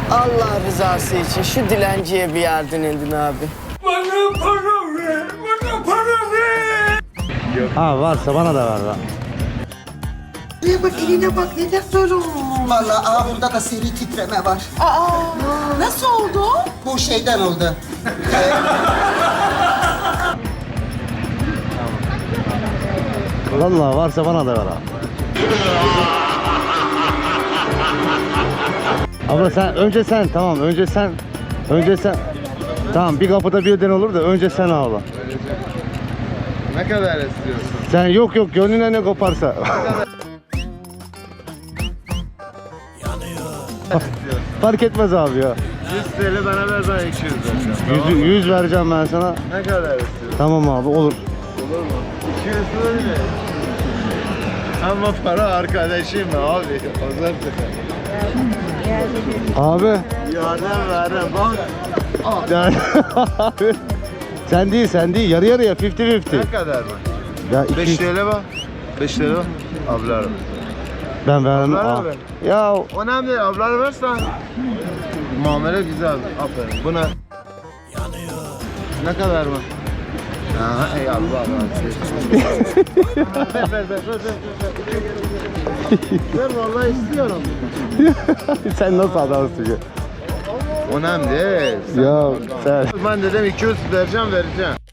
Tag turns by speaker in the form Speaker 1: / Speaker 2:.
Speaker 1: Allah rızası için şu dilenciye bir yardım edin abi.
Speaker 2: Bana para ver, bana para ver.
Speaker 3: Ha varsa bana da ver lan.
Speaker 4: Eline bak, eline bak, neler sorun.
Speaker 5: Vallahi burada da seri titreme var.
Speaker 4: Nasıl oldu?
Speaker 5: Bu şeyden oldu.
Speaker 3: Vallahi varsa bana da ver abi. Abla sen önce sen tamam önce sen tamam bir kapıda birden olur da önce sen abla.
Speaker 6: Ne kadar istiyorsun?
Speaker 3: Sen yok gönlüne ne koparsa. Fark etmez abi ya.
Speaker 6: 100 TL bana ver, ben 200 vereceğim.
Speaker 3: 100 vereceğim ben sana.
Speaker 6: Ne kadar istiyorsun?
Speaker 3: Tamam abi olur.
Speaker 6: Olur mu? 200 öyle. Ama para arkadaşım abi.
Speaker 3: Abi.
Speaker 6: Yardım verem bak.
Speaker 3: Yani, abi. Sen değil yarı yarıya 50-50.
Speaker 6: Ne kadar mı?
Speaker 3: Ya
Speaker 6: 5
Speaker 3: 200
Speaker 6: TL bak. 5 TL bak. Ablar.
Speaker 3: ben vermem.
Speaker 6: Ablara
Speaker 3: Aa.
Speaker 6: ver.
Speaker 3: Ya
Speaker 6: Önemli değil, ablar versen. Muamele güzel. Aferin. Buna. Ne kadar mı? Ha, ey Allah. Ver. Ver vallahi istiyorum.
Speaker 3: sen nasıl adamsın ya?
Speaker 6: Önemli değil.
Speaker 3: Ya sen.
Speaker 6: Ben dedim 200 vereceğim.